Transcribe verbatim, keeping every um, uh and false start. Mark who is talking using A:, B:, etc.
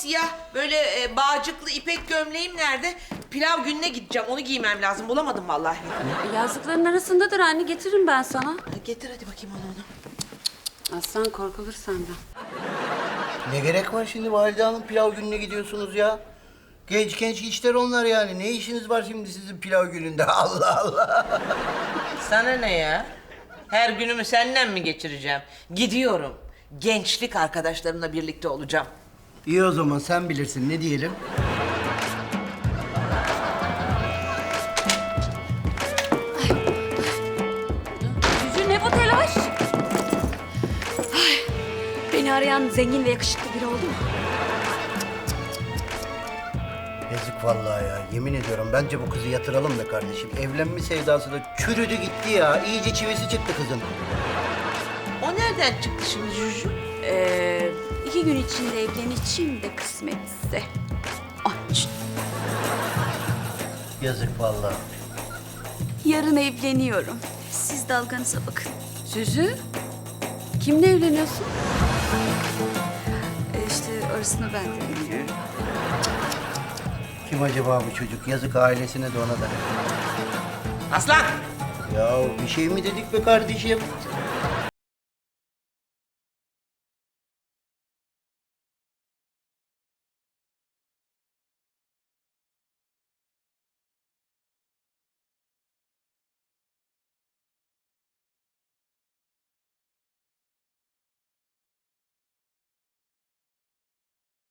A: siyah böyle e, bağcıklı ipek gömleğim nerede? Pilav gününe gideceğim. Onu giymem lazım. Bulamadım vallahi.
B: Yazdıkların arasındadır anne, getiririm ben sana.
A: Ha, getir hadi bakayım onu onu.
B: Aslan korkulur senden.
C: Ne gerek var şimdi Valide Hanım pilav gününe gidiyorsunuz ya? Genç genç işler onlar yani. Ne işiniz var şimdi sizin pilav gününde? Allah Allah.
A: Sana ne ya? Her günümü seninle mi geçireceğim? Gidiyorum. Gençlik arkadaşlarımla birlikte olacağım.
C: İyi o zaman sen bilirsin. Ne diyelim?
B: Cücü ne bu telaş? Ay, beni arayan zengin ve yakışıklı biri oldu mu?
C: Yazık vallahi ya. Yemin ediyorum bence bu kızı yatıralım be kardeşim. Evlenme sevdası da çürüdü gitti ya. İyice çivisi çıktı kızın.
A: O nereden çıktı şimdi Juju?
B: Ee, iki gün içinde evleneceğim de kısmetse. Aç.
C: Yazık vallahi.
B: Yarın evleniyorum. Siz dalganıza bakın. Süzü, kimle evleniyorsun? Ee, işte orasını ben de bilmiyorum.
C: Kim acaba bu çocuk? Yazık ailesine de ona da.
A: Aslan!
C: Ya bir şey mi dedik be kardeşim?